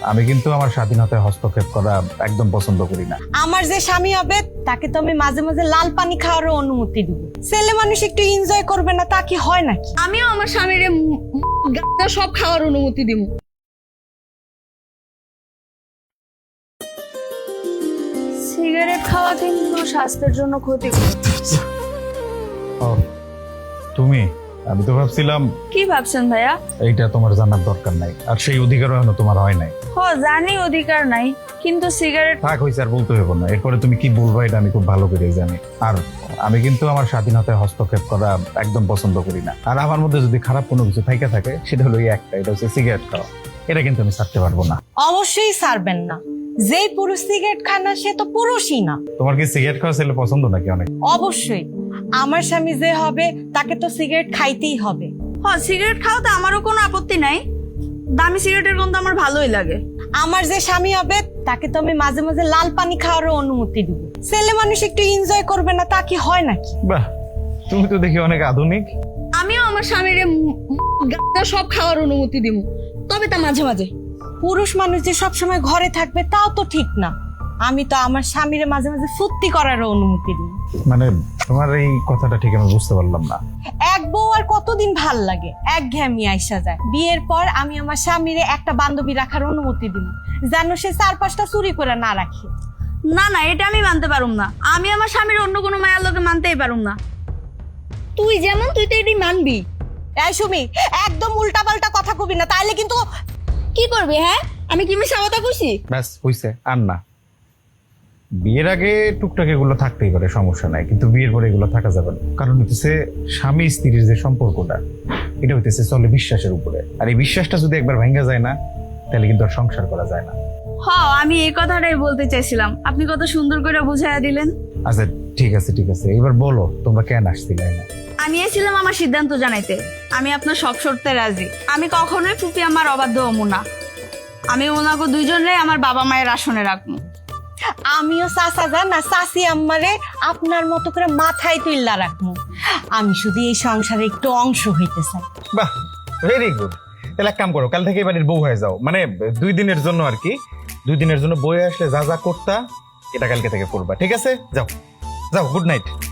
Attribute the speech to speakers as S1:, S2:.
S1: আমি কিন্তু আমার স্বাধীনতায় হস্তক্ষেপ করা একদম পছন্দ করি না।
S2: আমার যে স্বামী হবে তাকে তো আমি মাঝে মাঝে লাল পানি খাওয়ারও অনুমতি দিব। ছেলে মানুষ একটু এনজয় করবে না তা কি হয় নাকি?
S3: আমিও আমার স্বামীর সব খাওয়ার অনুমতি দিব। সিগারেট খাওয়া কিন্তু স্বাস্থ্যের জন্য ক্ষতিকর।
S1: ও তুমি, আমি তো ভাবছিলাম
S3: কি ভাবছেন ভাইয়া?
S1: এইটা তোমার জানার দরকার নাই, আর সেই অধিকারও এখনো তোমার হয় নাই।
S3: জানি অধিকার নাই, কিন্তু সিগারেট
S1: থাক হয়েছে, আর বলতে হবে না। এরপরে তুমি কি বলবা এটা আমি খুব ভালো করে জানি। আর আমি কিন্তু আমার স্বাধীনতায় হস্তক্ষেপ করা একদম পছন্দ করি না। আর আমার মধ্যে যদি খারাপ কোনো কিছু থাইকা থাকে সেটা হলো এই একটা, এটা হচ্ছে সিগারেট খাওয়া। এটা কিন্তু আমি ছাড়তে পারবো না।
S2: অবশ্যই ছাড়বেন না। যেই পুরুষ সিগারেট খায় না সে তো পুরুষই না।
S1: তোমার কি সিগারেট খাওয়া ছেলে পছন্দ নাকি? অনেক।
S2: অবশ্যই আমার স্বামী যে হবে তাকে তো সিগারেট খাইতেই হবে।
S3: সিগারেট খাওয়াতে আমারও কোনো আপত্তি নাই। দামি সিগারেটের গন্ধ আমার ভালোই লাগে।
S2: আমার যে স্বামী হবে তাকে তো আমি মাঝে মাঝে লাল পানি খাওয়ারও অনুমতি দিব। ছেলে মানুষ একটু এনজয় করবে না তা কি হয় নাকি?
S1: বাহ, তুমি তো দেখি অনেক আধুনিক।
S3: আমিও আমার স্বামীর সব খাওয়ার অনুমতি দিব, তবে তা মাঝে মাঝে।
S2: পুরুষ মানুষ যে সবসময় ঘরে থাকবে তাও তো ঠিক না। আমি তো আমার স্বামীর মাঝে মাঝে ফুর্তি করারও অনুমতি দিই।
S1: মানে তোমার এই কথাটা ঠিক আমি বুঝতে পারলাম না।
S2: এক বউ আর কতদিন ভাল লাগে, একঘেয়েমি আইসা যায়। বিয়ের পর আমি আমার স্বামীরে একটা বান্ধবী রাখার অনুমতি দিই, যেন সে 4-5টা চুরি করে না রাখে।
S3: না না, এটা আমি মানতে পারুম না। আমি আমার স্বামীর অন্য কোনো মায়ের লোকে মানতেই পারুম না। তুই যেমন তুই তো এটাই মানবি।
S2: এই সুমি, একদম উল্টাপাল্টা কথা কবি না, তাইলে কিন্তু।
S3: কি করবি? হ্যাঁ, আমি কি মিশা কথা কইছি?
S1: ব্যাস হইছে, আর না। বিয়ের আগে টুকটাক এগুলো থাকতেই পারে, সমস্যা নাই, কিন্তু বিয়ের পরে এগুলো থাকা যাবে না। কারণ হইতেছে স্বামী স্ত্রীর যে সম্পর্কটা, এটা হইতেছে চলে বিশ্বাসের উপরে। আর এই বিশ্বাসটা যদি একবার ভেঙে যায় না, তাহলে কিন্তু আর সংসার করা যায় না।
S3: আমি এই কথাটাই বলতে চাইছিলাম, আপনি কত সুন্দর করে বুঝাইয়া দিলেন।
S1: আচ্ছা ঠিক আছে ঠিক আছে, এবার বলো তোমরা কেন আসছিলে?
S3: আমি এসেছিলাম আমার সিদ্ধান্ত জানাইতে। আমি আপনার সব শর্তে রাজি। আমি কখনোই ফুপি আমার অবাধ্য হবো না। আমি ওনাকে দুইজনরে আমার বাবা মায়ের আসনে রাখবো।
S2: আমিও চাচা যান না চাচি আম্মারে আপনার মতো করে মাথায় তুইল্লা রাখবো। আমি শুধু এই সংসারে একটু অংশ হইতে চাই।
S1: বাহ, ভেরি গুড। তাহলে এক কাম করো, কাল থেকে এবারের বউ হয়ে যাও। মানে 2 দিনের জন্য আর কি। 2 দিনের জন্য বউ আসলে যা যা করতা, এটা কালকে থেকে করবা, ঠিক আছে? যাও যাও, গুড নাইট।